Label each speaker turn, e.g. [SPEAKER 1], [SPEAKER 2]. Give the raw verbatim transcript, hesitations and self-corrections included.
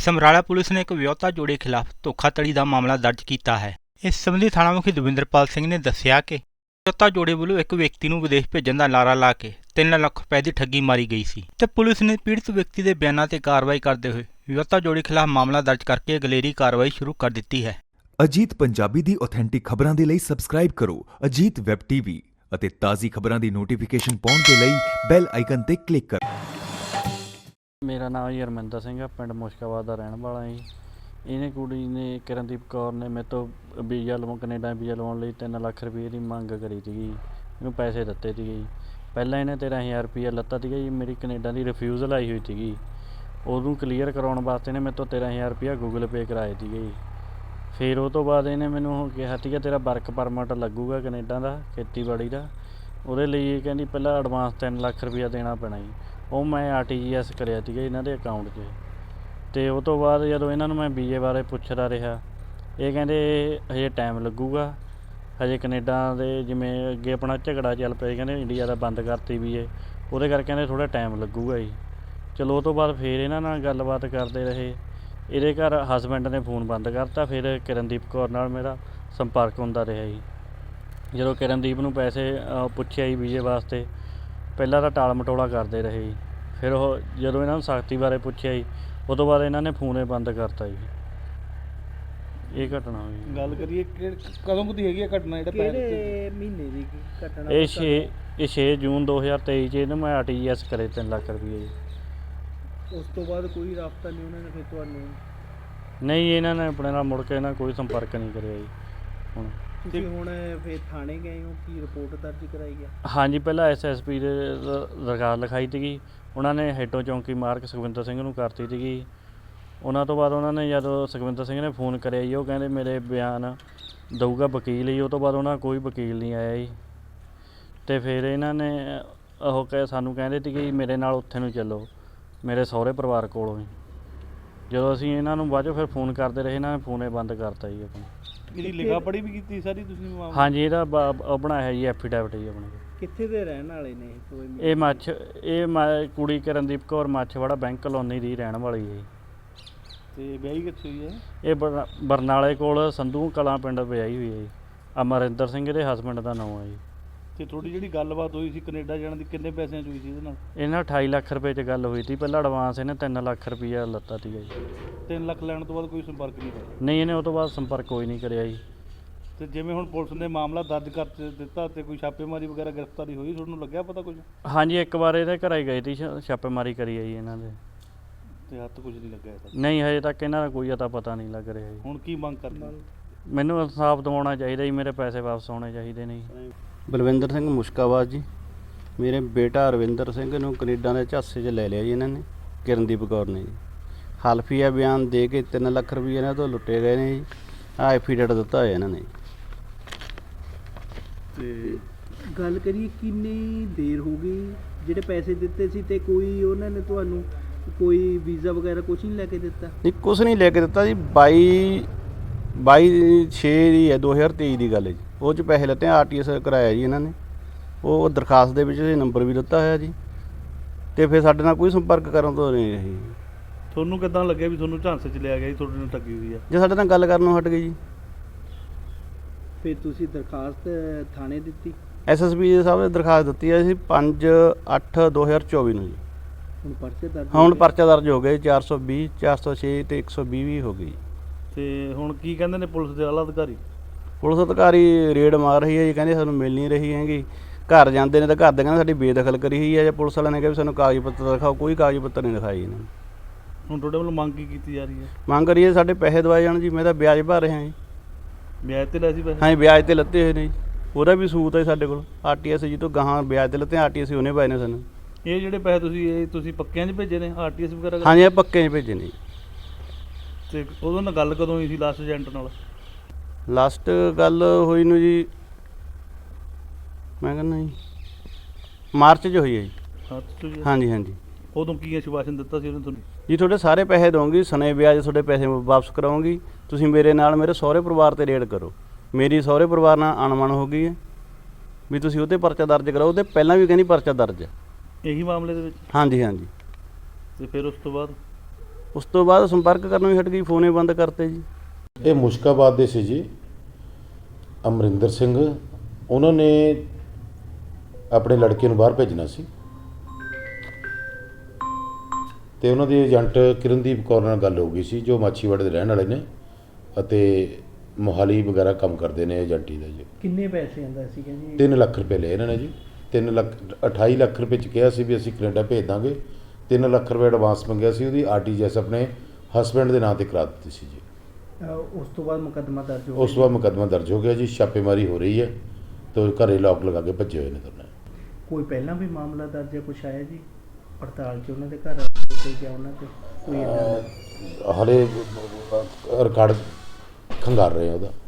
[SPEAKER 1] Samrala police ਨੇ ਇੱਕ ਵਿਆਹੁਤਾ ਜੋੜੇ ਖਿਲਾਫ ਧੋਖਾਧੜੀ ਦਾ ਮਾਮਲਾ ਦਰਜ ਕੀਤਾ ਹੈ। ਇਸ ਸੰਬੰਧੀ ਥਾਣਾ ਮੁਖੀ ਦਵਿੰਦਰਪਾਲ ਸਿੰਘ ਨੇ ਦੱਸਿਆ ਕਿ ਵਿਆਹੁਤਾ ਜੋੜੇ ਵੱਲੋਂ ਇੱਕ ਵਿਅਕਤੀ ਨੂੰ ਵਿਦੇਸ਼ ਭੇਜਣ ਦਾ ਨਾਅਰਾ ਲਾ ਕੇ ਤਿੰਨ ਲੱਖ ਰੁਪਏ ਦੀ ਠੱਗੀ ਮਾਰੀ ਗਈ ਸੀ ਤੇ ਪੁਲਿਸ ਨੇ ਪੀੜਤ ਵਿਅਕਤੀ ਦੇ ਬਿਆਨਾਂ ਤੇ ਕਾਰਵਾਈ ਕਰਦੇ ਹੋਏ ਵਿਆਹੁਤਾ ਜੋੜੇ ਖਿਲਾਫ ਮਾਮਲਾ ਦਰਜ ਕਰਕੇ ਅਗਲੇਰੀ ਕਾਰਵਾਈ ਸ਼ੁਰੂ ਕਰ ਦਿੱਤੀ ਹੈ।
[SPEAKER 2] ਅਜੀਤ ਪੰਜਾਬੀ ਦੀ ਆਥੈਂਟਿਕ ਖਬਰਾਂ ਦੇ ਲਈ ਸਬਸਕ੍ਰਾਈਬ ਕਰੋ ਅਜੀਤ ਵੈਬ ਟੀਵੀ ਅਤੇ ਤਾਜ਼ੀ ਖਬਰਾਂ ਦੀ ਨੋਟੀਫਿਕੇਸ਼ਨ ਪਾਉਣ ਦੇ ਲਈ ਬੈਲ ਆਈਕਨ ਤੇ ਕਲਿੱਕ ਕਰੋ।
[SPEAKER 3] ਮੇਰਾ ਨਾਮ ਜੀ ਹਰਮਿੰਦਰ ਸਿੰਘ ਆ, ਪਿੰਡ ਮੁਸ਼ਕਾਬਾਦ ਦਾ ਰਹਿਣ ਵਾਲਾ ਜੀ। ਇਹਨੇ ਕੁੜੀ ਨੇ ਕਿਰਨਦੀਪ ਕੌਰ ਨੇ ਮੇਰੇ ਤੋਂ ਵੀਜ਼ਾ ਲਵਾਉਣ ਕੈਨੇਡਾ ਵੀਜ਼ਾ ਲਵਾਉਣ ਲਈ ਤਿੰਨ ਲੱਖ ਰੁਪਏ ਦੀ ਮੰਗ ਕਰੀ ਸੀਗੀ। ਇਹਨੂੰ ਪੈਸੇ ਦਿੱਤੇ ਸੀਗੇ ਜੀ। ਪਹਿਲਾਂ ਇਹਨੇ ਤੇਰ੍ਹਾਂ ਹਜ਼ਾਰ ਰੁਪਈਆ ਲੱਤਾ ਸੀਗਾ ਜੀ। ਮੇਰੀ ਕੈਨੇਡਾ ਦੀ ਰਿਫਿਊਜ਼ਲ ਆਈ ਹੋਈ ਸੀਗੀ, ਉਹਨੂੰ ਕਲੀਅਰ ਕਰਾਉਣ ਵਾਸਤੇ ਇਹਨੇ ਮੇਰੇ ਤੋਂ ਤੇਰ੍ਹਾਂ ਹਜ਼ਾਰ ਰੁਪਈਆ ਗੂਗਲ ਪੇ ਕਰਾਏ ਸੀਗੇ ਜੀ। ਫਿਰ ਉਹ ਤੋਂ ਬਾਅਦ ਇਹਨੇ ਮੈਨੂੰ ਕਿਹਾ ਸੀਗਾ ਤੇਰਾ ਵਰਕ ਪਰਮਿਟ ਲੱਗੂਗਾ ਕੈਨੇਡਾ ਦਾ, ਖੇਤੀਬਾੜੀ ਦਾ। ਉਹਦੇ ਲਈ ਇਹ ਕਹਿੰਦੀ ਪਹਿਲਾਂ ਐਡਵਾਂਸ ਤਿੰਨ ਲੱਖ ਰੁਪਈਆ ਦੇਣਾ ਪੈਣਾ ਜੀ। ਉਹ ਮੈਂ ਆਰ ਟੀ ਜੀ ਐਸ ਕਰਿਆ ਸੀਗਾ ਇਹਨਾਂ ਦੇ ਅਕਾਊਂਟ 'ਚ। ਅਤੇ ਉਹ ਤੋਂ ਬਾਅਦ ਜਦੋਂ ਇਹਨਾਂ ਨੂੰ ਮੈਂ ਵੀਜ਼ੇ ਬਾਰੇ ਪੁੱਛਦਾ ਰਿਹਾ, ਇਹ ਕਹਿੰਦੇ ਹਜੇ ਟਾਈਮ ਲੱਗੂਗਾ, ਹਜੇ ਕੈਨੇਡਾ ਦੇ ਜਿਵੇਂ ਅੱਗੇ ਆਪਣਾ ਝਗੜਾ ਚੱਲ ਪਿਆ, ਕਹਿੰਦੇ ਇੰਡੀਆ ਦਾ ਬੰਦ ਕਰਤੀ ਵੀਜ਼ੇ, ਉਹਦੇ ਕਰਕੇ ਕਹਿੰਦੇ ਥੋੜ੍ਹਾ ਟਾਈਮ ਲੱਗੂਗਾ ਜੀ। ਚਲੋ ਉਹ ਤੋਂ ਬਾਅਦ ਫਿਰ ਇਹਨਾਂ ਨਾਲ ਗੱਲਬਾਤ ਕਰਦੇ ਰਹੇ। ਇਹਦੇ ਘਰ ਹਸਬੈਂਡ ਨੇ ਫੋਨ ਬੰਦ ਕਰਤਾ। ਫਿਰ ਕਿਰਨਦੀਪ ਕੌਰ ਨਾਲ ਮੇਰਾ ਸੰਪਰਕ ਹੁੰਦਾ ਰਿਹਾ ਜੀ। ਜਦੋਂ ਕਿਰਨਦੀਪ ਨੂੰ ਪੈਸੇ ਪੁੱਛਿਆ ਜੀ ਵੀਜ਼ੇ ਵਾਸਤੇ, ਪਹਿਲਾਂ ਤਾਂ ਟਾਲ ਮਟੋਲਾ ਕਰਦੇ ਰਹੇ ਜੀ। ਫਿਰ ਉਹ ਜਦੋਂ ਇਹਨਾਂ ਨੂੰ ਸਖਤੀ ਬਾਰੇ ਪੁੱਛਿਆ ਜੀ, ਉਹ ਤੋਂ ਬਾਅਦ ਇਹਨਾਂ ਨੇ ਫੋਨ ਹੀ ਬੰਦ ਕਰਤਾ ਜੀ। ਇਹ ਘਟਨਾ ਹੋਈ।
[SPEAKER 4] ਗੱਲ ਕਰੀਏ ਕਦੋਂ ਕੁ ਦੀ ਹੈਗੀ ਆ ਘਟਨਾ? ਜਿਹੜਾ
[SPEAKER 5] ਕਿਹੜੇ ਮਹੀਨੇ ਦੀ ਘਟਨਾ?
[SPEAKER 3] ਇਹ ਛੇ ਇਹ ਛੇ ਜੂਨ ਦੋ ਹਜ਼ਾਰ ਤੇਈ 'ਚ ਇਹਨੂੰ ਮੈਂ ਆਰ ਟੀ ਜੀ ਐਸ ਕਰੇ ਤਿੰਨ ਲੱਖ ਰੁਪਈਏ ਜੀ।
[SPEAKER 5] ਉਸ ਤੋਂ ਬਾਅਦ ਕੋਈ ਰਾਬਤਾ ਨਹੀਂ ਉਹਨਾਂ ਨੇ ਫਿਰ ਤੁਹਾਨੂੰ?
[SPEAKER 3] ਨਹੀਂ, ਇਹਨਾਂ ਨੇ ਆਪਣੇ ਨਾਲ ਮੁੜ ਕੇ ਇਹਨਾਂ ਕੋਈ ਸੰਪਰਕ ਨਹੀਂ ਕਰਿਆ ਜੀ। ਹੁਣ
[SPEAKER 5] ਤੁਸੀਂ ਹੁਣ ਫਿਰ ਥਾਣੇ ਗਏ ਹੋ, ਕੀ ਰਿਪੋਰਟ ਦਰਜ ਕਰਾਈ ਆ?
[SPEAKER 3] ਹਾਂਜੀ, ਪਹਿਲਾਂ ਐਸ ਐਸ ਪੀ ਦੇ ਦਰਖਾਸਤ ਲਿਖਾਈ ਸੀਗੀ। ਉਹਨਾਂ ਨੇ ਹੈਡੋ ਚੌਂਕੀ ਮਾਰਕ ਸੁਖਵਿੰਦਰ ਸਿੰਘ ਨੂੰ ਕਰਤੀ ਸੀਗੀ। ਉਹਨਾਂ ਤੋਂ ਬਾਅਦ ਉਹਨਾਂ ਨੇ ਜਦੋਂ ਸੁਖਵਿੰਦਰ ਸਿੰਘ ਨੇ ਫੋਨ ਕਰਿਆ ਜੀ, ਉਹ ਕਹਿੰਦੇ ਮੇਰੇ ਬਿਆਨ ਦਊਗਾ ਵਕੀਲ ਜੀ। ਉਹ ਤੋਂ ਬਾਅਦ ਉਹਨਾਂ ਕੋਈ ਵਕੀਲ ਨਹੀਂ ਆਇਆ ਜੀ। ਅਤੇ ਫਿਰ ਇਹਨਾਂ ਨੇ ਉਹ ਕਹਿ ਸਾਨੂੰ ਕਹਿੰਦੇ ਸੀਗੇ ਜੀ ਮੇਰੇ ਨਾਲ ਉੱਥੇ ਨੂੰ ਚੱਲੋ, ਮੇਰੇ ਸਹੁਰੇ ਪਰਿਵਾਰ ਕੋਲੋਂ ਹੀ। ਜਦੋਂ ਅਸੀਂ ਇਹਨਾਂ ਨੂੰ ਬਾਅਦ 'ਚੋਂ ਫਿਰ ਫੋਨ ਕਰਦੇ ਰਹੇ, ਇਹਨਾਂ ਨੇ ਫੋਨ ਬੰਦ ਕਰਤਾ ਜੀ ਆਪਣਾ।
[SPEAKER 4] ਇਹਦੀ ਲਿਖਾ ਪੜ੍ਹੀ ਵੀ ਕੀਤੀ ਸਾਰੀ ਤੁਸੀਂ?
[SPEAKER 3] ਹਾਂਜੀ, ਇਹਦਾ ਬ ਬਣਾਇਆ ਜੀ ਐਫੀਡੈਵਿਟ ਜੀ ਆਪਣੇ।
[SPEAKER 5] ਕਿੱਥੇ ਦੇ ਰਹਿਣ ਵਾਲੇ ਨੇ ਕੋਈ?
[SPEAKER 3] ਇਹ ਮੱਛ ਇਹ ਮ ਕੁੜੀ ਕਿਰਨਦੀਪ ਕੌਰ ਮੱਛਵਾੜਾ ਬੈਂਕ ਕਲੋਨੀ ਦੀ ਰਹਿਣ ਵਾਲੀ ਹੈ ਜੀ।
[SPEAKER 4] ਅਤੇ ਵਿਆਹੀ ਕਿੱਥੇ ਹੋਈ ਹੈ?
[SPEAKER 3] ਇਹ ਬਰ ਬਰਨਾਲੇ ਕੋਲ ਸੰਧੂ ਕਲਾਂ ਪਿੰਡ ਵਿਆਹੀ ਹੋਈ ਹੈ ਜੀ। ਅਮਰਿੰਦਰ ਸਿੰਘ ਇਹਦੇ ਹਸਬੈਂਡ ਦਾ ਨਾਮ ਹੈ ਜੀ।
[SPEAKER 4] ਅਤੇ ਤੁਹਾਡੀ ਜਿਹੜੀ ਗੱਲਬਾਤ ਹੋਈ ਸੀ ਕੈਨੇਡਾ ਜਾਣ ਦੀ, ਕਿੰਨੇ ਪੈਸਿਆਂ 'ਚ ਹੋਈ ਸੀ ਇਹਦੇ ਨਾਲ?
[SPEAKER 3] ਇਹਨਾਂ ਅਠਾਈ ਲੱਖ ਰੁਪਏ 'ਚ ਗੱਲ ਹੋਈ ਸੀ। ਪਹਿਲਾਂ ਐਡਵਾਂਸ ਇਹਨੇ ਤਿੰਨ ਲੱਖ ਰੁਪਈਆ ਲੱਤਾ ਸੀਗਾ ਜੀ।
[SPEAKER 4] ਤਿੰਨ ਲੱਖ ਲੈਣ ਤੋਂ ਬਾਅਦ ਕੋਈ ਸੰਪਰਕ ਨਹੀਂ ਹੋਇਆ?
[SPEAKER 3] ਨਹੀਂ, ਇਹਨੇ ਉਹ ਤੋਂ ਬਾਅਦ ਸੰਪਰਕ ਕੋਈ ਨਹੀਂ ਕਰਿਆ ਜੀ।
[SPEAKER 4] ਅਤੇ ਜਿਵੇਂ ਹੁਣ ਪੁਲਿਸ ਨੇ ਮਾਮਲਾ ਦਰਜ ਕਰ ਦਿੱਤਾ ਅਤੇ ਕੋਈ ਛਾਪੇਮਾਰੀ ਵਗੈਰਾ ਗ੍ਰਿਫਤਾਰੀ ਹੋਈ, ਤੁਹਾਨੂੰ ਲੱਗਿਆ ਪਤਾ ਕੁਝ?
[SPEAKER 3] ਹਾਂਜੀ, ਇੱਕ ਵਾਰ ਇਹਦੇ ਘਰ ਹੀ ਗਏ ਸੀ, ਛਾਪੇਮਾਰੀ ਕਰੀ ਹੈ ਜੀ ਇਹਨਾਂ ਦੇ।
[SPEAKER 4] ਅਤੇ ਹੱਥ ਕੁਝ ਨਹੀਂ ਲੱਗਿਆ ਇਹਦਾ?
[SPEAKER 3] ਨਹੀਂ, ਹਜੇ ਤੱਕ ਇਹਨਾਂ ਦਾ ਕੋਈ ਅਤਾ ਪਤਾ ਨਹੀਂ ਲੱਗ ਰਿਹਾ ਜੀ।
[SPEAKER 4] ਹੁਣ ਕੀ ਮੰਗ ਕਰਦੇ?
[SPEAKER 3] ਮੈਨੂੰ ਇਨਸਾਫ ਦਿਵਾਉਣਾ ਚਾਹੀਦਾ ਜੀ, ਮੇਰੇ ਪੈਸੇ ਵਾਪਸ ਆਉਣੇ ਚਾਹੀਦੇ ਨੇ ਜੀ।
[SPEAKER 6] ਬਲਵਿੰਦਰ ਸਿੰਘ ਮੁਸ਼ਕਾਬਾਦ ਜੀ। ਮੇਰੇ ਬੇਟਾ ਰਵਿੰਦਰ ਸਿੰਘ ਨੂੰ ਕੈਨੇਡਾ ਦੇ ਝਾਂਸੇ 'ਚ ਲੈ ਲਿਆ ਜੀ ਇਹਨਾਂ ਨੇ, ਕਿਰਨਦੀਪ ਕੌਰ ਨੇ ਜੀ। ਹਲਫੀਆ ਬਿਆਨ ਦੇ ਕੇ ਤਿੰਨ ਲੱਖ ਰੁਪਏ ਇਹਨਾਂ ਤੋਂ ਲੁੱਟੇ ਗਏ ਨੇ ਜੀ। ਆਹ ਐਫੀਡੇਵਿਟ ਦਿੱਤਾ ਹੋਇਆ ਇਹਨਾਂ ਨੇ।
[SPEAKER 5] ਤੇ ਗੱਲ ਕਰੀਏ ਕਿੰਨੀ ਦੇਰ ਹੋ ਗਈ ਜਿਹੜੇ ਪੈਸੇ ਦਿੱਤੇ ਸੀ, ਅਤੇ ਕੋਈ ਉਹਨਾਂ ਨੇ ਤੁਹਾਨੂੰ ਕੋਈ ਵੀਜ਼ਾ ਵਗੈਰਾ ਕੁਛ ਨਹੀਂ ਲੈ ਕੇ ਦਿੱਤਾ?
[SPEAKER 6] ਨਹੀਂ, ਕੁਛ ਨਹੀਂ ਲੈ ਕੇ ਦਿੱਤਾ ਜੀ। ਬਾਈ ਬਾਈ ਛੇ ਦੀ ਹੈ ਦੋ ਹਜ਼ਾਰ ਤੇਈ ਦੀ ਗੱਲ ਹੈ ਜੀ। ਉਹ 'ਚ ਪੈਸੇ ਲੱਤੇ, ਆਰ ਟੀ ਐਸ ਕਰਾਇਆ ਜੀ ਇਹਨਾਂ ਨੇ। ਉਹ ਦਰਖਾਸਤ ਦੇ ਵਿੱਚ ਨੰਬਰ ਵੀ ਦਿੱਤਾ ਹੋਇਆ ਜੀ। ਅਤੇ ਫਿਰ ਸਾਡੇ ਨਾਲ ਕੋਈ ਸੰਪਰਕ ਕਰਨ ਤੋਂ ਨਹੀਂ ਰਹੀ।
[SPEAKER 4] ਤੁਹਾਨੂੰ ਕਿੱਦਾਂ ਲੱਗਿਆ ਵੀ ਤੁਹਾਨੂੰ ਝਾਂਸੇ 'ਚ ਲਿਆ ਗਿਆ ਜੀ, ਤੁਹਾਡੇ ਨਾਲ ਠੱਗੀ ਹੋਈ ਆ?
[SPEAKER 6] ਜੇ ਸਾਡੇ ਨਾਲ ਗੱਲ ਕਰਨੋਂ ਹਟ ਗਈ ਜੀ।
[SPEAKER 5] ਫਿਰ ਤੁਸੀਂ ਦਰਖਾਸਤ ਥਾਣੇ ਦਿੱਤੀ?
[SPEAKER 6] ਐਸ ਐਸ ਪੀ ਸਾਹਿਬ ਨੇ ਦਰਖਾਸਤ ਦਿੱਤੀ ਹੈ ਸੀ ਪੰਜ ਅੱਠ ਦੋ ਹਜ਼ਾਰ ਚੌਵੀ ਨੂੰ ਜੀ।
[SPEAKER 5] ਹੁਣ ਪਰਚੇ ਦਰਜ?
[SPEAKER 6] ਹੁਣ ਪਰਚਾ ਦਰਜ ਹੋ ਗਏ ਚਾਰ ਸੌ ਵੀਹ, ਚਾਰ ਸੌ ਛੇ ਅਤੇ ਇੱਕ ਸੌ ਵੀਹ ਵੀ ਹੋ ਗਈ।
[SPEAKER 4] ਅਤੇ ਹੁਣ ਕੀ ਕਹਿੰਦੇ ਨੇ ਪੁਲਿਸ ਦੇ ਆਲਾ ਅਧਿਕਾਰੀ?
[SPEAKER 6] ਪੁਲਿਸ ਅਧਿਕਾਰੀ ਰੇਡ ਮਾਰ ਰਹੀ ਹੈ ਜੀ, ਕਹਿੰਦੇ ਸਾਨੂੰ ਮਿਲ ਨਹੀਂ ਰਹੀ ਹੈਗੀ। ਘਰ ਜਾਂਦੇ ਨੇ ਤਾਂ ਘਰ ਦੇ ਕਹਿੰਦੇ ਸਾਡੀ ਬੇਦਖਲ ਕਰੀ ਹੋਈ ਹੈ। ਜਾਂ ਪੁਲਿਸ ਵਾਲਿਆਂ ਨੇ ਕਿਹਾ ਵੀ ਸਾਨੂੰ ਕਾਗਜ਼ ਪੱਤਰ ਦਿਖਾਓ, ਕੋਈ ਕਾਗਜ਼ ਪੱਤਰ ਨਹੀਂ ਦਿਖਾਈ ਇਹਨਾਂ ਨੇ।
[SPEAKER 4] ਹੁਣ ਤੁਹਾਡੇ ਵੱਲੋਂ ਮੰਗ ਕੀ ਕੀਤੀ ਜਾ ਰਹੀ ਹੈ?
[SPEAKER 6] ਮੰਗ ਕਰੀਏ ਸਾਡੇ ਪੈਸੇ ਦਵਾਏ ਜਾਣ ਜੀ। ਮੈਂ ਤਾਂ ਵਿਆਜ ਭਰ ਰਿਹਾ ਜੀ।
[SPEAKER 4] ਵਿਆਜ 'ਤੇ ਲੈ ਸੀ ਪੈਸੇ?
[SPEAKER 6] ਹਾਂਜੀ, ਵਿਆਜ 'ਤੇ ਲੱਤੇ ਹੋਏ ਨੇ ਜੀ। ਉਹਦਾ ਵੀ ਸੂਤ ਹੈ ਸਾਡੇ ਕੋਲ। ਆਰ ਟੀ ਐਸ ਜੀ ਤੋਂ ਗਾਹਾਂ ਵਿਆਜ 'ਤੇ ਲੱਤੇ, ਆਰ ਟੀ ਐਸ ਉਹਨੇ ਪਾਏ ਨੇ ਸਾਨੂੰ।
[SPEAKER 4] ਇਹ ਜਿਹੜੇ ਪੈਸੇ ਤੁਸੀਂ ਇਹ ਤੁਸੀਂ ਪੱਕਿਆਂ 'ਚ ਭੇਜੇ ਨੇ, ਆਰ ਟੀ ਐਸ ਵਗੈਰਾ?
[SPEAKER 6] ਹਾਂਜੀ, ਇਹ ਪੱਕੇ 'ਚ ਭੇਜੇ ਨੇ ਜੀ।
[SPEAKER 4] ਅਤੇ ਉਦੋਂ ਨਾਲ ਗੱਲ ਕਦੋਂ ਹੋਈ ਸੀ ਲਾਸਟ ਏਜੰਟ ਨਾਲ?
[SPEAKER 6] ਲਾਸਟ ਗੱਲ ਹੋਈ ਨੂੰ ਜੀ ਮੈਂ ਕਹਿੰਦਾ ਜੀ ਮਾਰਚ 'ਚ ਹੋਈ ਹੈ ਜੀ।
[SPEAKER 4] ਅੱਛਾ ਜੀ।
[SPEAKER 6] ਹਾਂਜੀ ਹਾਂਜੀ।
[SPEAKER 4] ਉਦੋਂ ਕੀ ਆਸ਼ਵਾਸਨ ਦਿੱਤਾ ਸੀ ਉਹਨੇ ਤੁਹਾਨੂੰ?
[SPEAKER 6] ਜੀ ਤੁਹਾਡੇ ਸਾਰੇ ਪੈਸੇ ਦਊਂਗੀ, ਸਨੇ ਵਿਆਜ ਤੁਹਾਡੇ ਪੈਸੇ ਵਾਪਸ ਕਰਾਉਂਗੀ। ਤੁਸੀਂ ਮੇਰੇ ਨਾਲ ਮੇਰੇ ਸਹੁਰੇ ਪਰਿਵਾਰ 'ਤੇ ਰੇਡ ਕਰੋ। ਮੇਰੀ ਸਹੁਰੇ ਪਰਿਵਾਰ ਨਾਲ ਅਣਮਨ ਹੋ ਗਈ ਹੈ ਵੀ ਤੁਸੀਂ ਉਹ 'ਤੇ ਪਰਚਾ ਦਰਜ ਕਰਾਓ। ਉਹਦੇ ਪਹਿਲਾਂ ਵੀ ਕਹਿੰਦੀ ਪਰਚਾ ਦਰਜ ਹੈ
[SPEAKER 4] ਇਹੀ ਮਾਮਲੇ ਦੇ ਵਿੱਚ?
[SPEAKER 6] ਹਾਂਜੀ ਹਾਂਜੀ।
[SPEAKER 4] ਅਤੇ ਫਿਰ ਉਸ ਤੋਂ ਬਾਅਦ?
[SPEAKER 6] ਉਸ ਤੋਂ ਬਾਅਦ ਸੰਪਰਕ ਕਰਨੋਂ ਹੀ ਹਟ ਗਈ, ਫੋਨੇ ਬੰਦ ਕਰਤੇ ਜੀ।
[SPEAKER 7] ਇਹ ਮੁਸ਼ਕਾਬਾਦ ਦੇ ਸੀ ਜੀ, ਅਮਰਿੰਦਰ ਸਿੰਘ। ਉਹਨਾਂ ਨੇ ਆਪਣੇ ਲੜਕੇ ਨੂੰ ਬਾਹਰ ਭੇਜਣਾ ਸੀ ਤੇ ਉਹਨਾਂ ਦੀ ਏਜੰਟ ਕਿਰਨਦੀਪ ਕੌਰ ਨਾਲ ਗੱਲ ਹੋ ਗਈ ਸੀ, ਜੋ ਮਾਛੀਵਾੜੇ ਦੇ ਰਹਿਣ ਵਾਲੇ ਨੇ ਅਤੇ ਮੋਹਾਲੀ ਵਗੈਰਾ ਕੰਮ ਕਰਦੇ ਨੇ ਏਜੰਟੀ ਦਾ ਜੀ।
[SPEAKER 5] ਕਿੰਨੇ ਪੈਸੇ ਆਂਦਾ ਸੀਗਾ ਜੀ?
[SPEAKER 7] ਤਿੰਨ ਲੱਖ ਰੁਪਏ ਲਏ ਇਹਨਾਂ ਨੇ ਜੀ। ਤਿੰਨ ਲੱਖ ਅਠਾਈ ਲੱਖ ਰੁਪਏ 'ਚ ਕਿਹਾ ਸੀ ਵੀ ਅਸੀਂ ਕੈਨੇਡਾ ਭੇਜ ਦਾਂਗੇ। ਤਿੰਨ ਲੱਖ ਰੁਪਏ ਐਡਵਾਂਸ ਮੰਗਿਆ ਸੀ, ਉਹਦੀ ਆਰ ਟੀ ਜੀ ਐਸ ਆਪਣੇ ਹਸਬੈਂਡ ਦੇ ਨਾਂ 'ਤੇ ਕਰਾ ਦਿੱਤੀ ਸੀ ਜੀ।
[SPEAKER 5] ਅਹ ਉਸ ਤੋਂ ਬਾਅਦ ਮੁਕੱਦਮਾ ਦਰਜ ਹੋ
[SPEAKER 7] ਉਸ ਤੋਂ ਬਾਅਦ ਮੁਕੱਦਮਾ ਦਰਜ ਹੋ ਗਿਆ ਜੀ, ਛਾਪੇਮਾਰੀ ਹੋ ਰਹੀ ਹੈ ਤੇ ਘਰੇ ਲੋਕ ਲਗਾ ਕੇ ਭੱਜੇ ਹੋਏ ਨੇ ਦੋਨੇ।
[SPEAKER 5] ਕੋਈ ਪਹਿਲਾਂ ਵੀ ਮਾਮਲਾ ਦਰਜ ਹੈ, ਕੁਛ ਆਇਆ ਜੀ ਪੜਤਾਲ 'ਚ ਉਹਨਾਂ ਦੇ ਘਰ ਕੋਈ ਗਿਆ ਉਹਨਾਂ ਤੇ ਕੋਈ ਏਦਾਂ ਦਾ?
[SPEAKER 7] ਹਾਲੇ ਰਿਕਾਰਡ ਖੰਗਾਰ ਰਹੇ ਆ ਉਹਦਾ।